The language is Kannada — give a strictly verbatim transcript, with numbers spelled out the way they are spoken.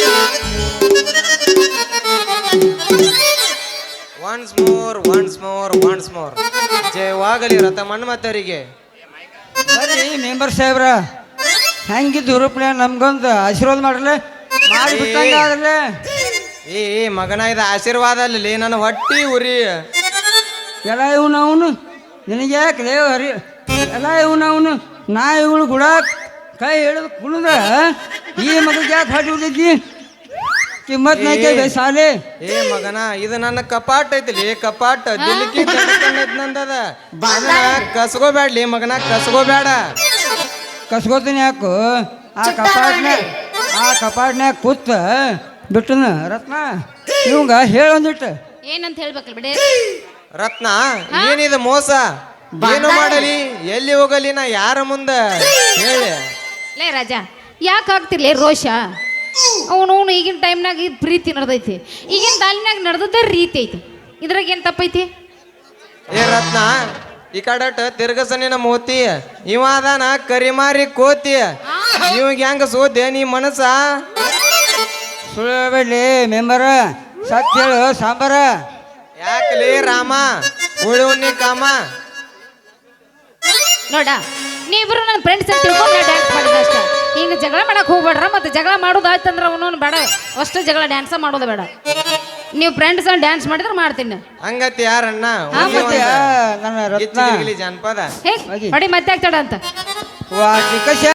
Once more once more once more ಜಯವಾಗಲಿ ರಥ ಮನ್ಮಥರಿಗೆ. ಬರ್ರಿ ಮೆಂಬರ್ ಸಾಹೇಬ್ರ, ಹೆಂಗಿದ್ದು ಹುರುಪ್ಲೆ ನಮ್ಗೊಂದು ಆಶೀರ್ವಾದ ಮಾಡ್ರಲೆ, ಮಾಡಿ ಬಿಟ್ಟಂಗಾದ್ರಲೆ. ಏ ಮಗನ ಇದು ಆಶೀರ್ವಾದ ಅಲ್ಲಿ ನನ್ನ ಹೊಟ್ಟಿ ಉರಿ. ಎಲ್ಲ ಇವನು ಅವನು ನಿನಗೆ ಯಾಕೆ ದೇವ ಹರಿ, ಎಲ್ಲ ಇವನು ಅವನು ನಾ ಇವಳು ಗುಡ ಕೈ ಹಿಡಿದು ಕುಣಿದ ಈ ಮಗಗೆ ಯಾಕೆ ಹೊಟ್ಟಿ ಉಳಿದೈತಿ? ಕಿಮ್ಮತ್ ನಾಕೆ ಸಾಲೆ. ಏ ಮಗನ ಇದು ನನ್ನ ಕಪಾಟ್ ಐತಿಲಿ, ಕಪಾಟ್ ದಿಲ್ಕಿ ನಂದದ. ಕಸ್ಕೋಬೇಡ್ಲಿ ಮಗನ, ಕಸ್ಕೋಬೇಡ. ಕಸ್ಕೋತೀನಿ ಯಾಕು? ಆ ಕಪಾಟ್ನ್ಯಾಗ ಆ ಕಪಾಟ್ನ್ಯಾಗ ಕೂತ ಬಿಟ್ಟನ ರತ್ನ ಇವಂಗ ಹೇಳೊಂದಿಟ್ಟು ಏನಂತ ಹೇಳ್ಬೇಕಲ್ಲ ಬಿಡಿ. ರತ್ನ ಏನಿದು ಮೋಸ? ಏನು ಮಾಡಲಿ, ಎಲ್ಲಿ ಹೋಗಲಿ, ನಾ ಯಾರ ಮುಂದ ಹೇಳಿ? ಲೇ ರಾಜ, ಯಾಕೆ ಆಗ್ತಿರ್ಲಿ ರೋಷ? ಅವನು ಅವನು ಈಗಿನ ಟೈಮ್ನಾಗ ಇದು ಪ್ರೀತಿ ನಡೆದೈತಿ, ಈಗಿನ ತಾಲಿನಾಗ ನಡೆದದ ರೀತಿ ಐತಿ, ಇದ್ರಾಗ ಏನು ತಪ್ಪೈತಿ? ಏ ರತ್ನ, ಈ ಕಡಟ್ ತಿರ್ಗಸನಿನ ಮೋತಿ, ಇವ ಅದಾನ ಕರಿಮಾರಿ ಕೋತಿ. ಇವಾಗ ಹೆಂಗ ಸೋದೆ ನೀ ಮನಸ್ಸ? ಸುಳ್ಬೇಡ್ಲಿ ಮೆಂಬರ, ಸತ್ಯ ಹೇಳು ಸಾಂಬಾರ. ಯಾಕಲಿ ರಾಮ ಉಳುವನ್ನಿ ಕಾಮ? ನೋಡ, ನೀವಿಬ್ರು ನನ್ನ ಫ್ರೆಂಡ್ಸ್ ಅಂತ ತಿಳ್ಕೊಂಡು ಡ್ಯಾನ್ಸ್ ಮಾಡಿದ ಅಷ್ಟ. ಹಿಂಗೆ ಜಗಳ ಮಾಡಕ್ಕೆ ಹೋಗ್ಬೇಡ್ರ, ಮತ್ತೆ ಜಗಳ ಮಾಡೋದಾಯ್ತಂದ್ರೆ ಅವನು ಬೇಡ, ಅಷ್ಟು ಜಗಳ ಡ್ಯಾನ್ಸ ಮಾಡೋದು ಬೇಡ. ನೀವು ಫ್ರೆಂಡ್ಸ್ ಡ್ಯಾನ್ಸ್ ಮಾಡಿದ್ರೆ ಮಾಡ್ತೀನಿ. ಹಂಗತಿ ಯಾರಣ್ಣ ನನ್ನ ರತ್ನ ಜಾನಪದ ಹೇ ನೋಡಿ ಮತ್ತೆ ಆಗ್ತಾಡ ಅಂತ ವಾಟಿಕ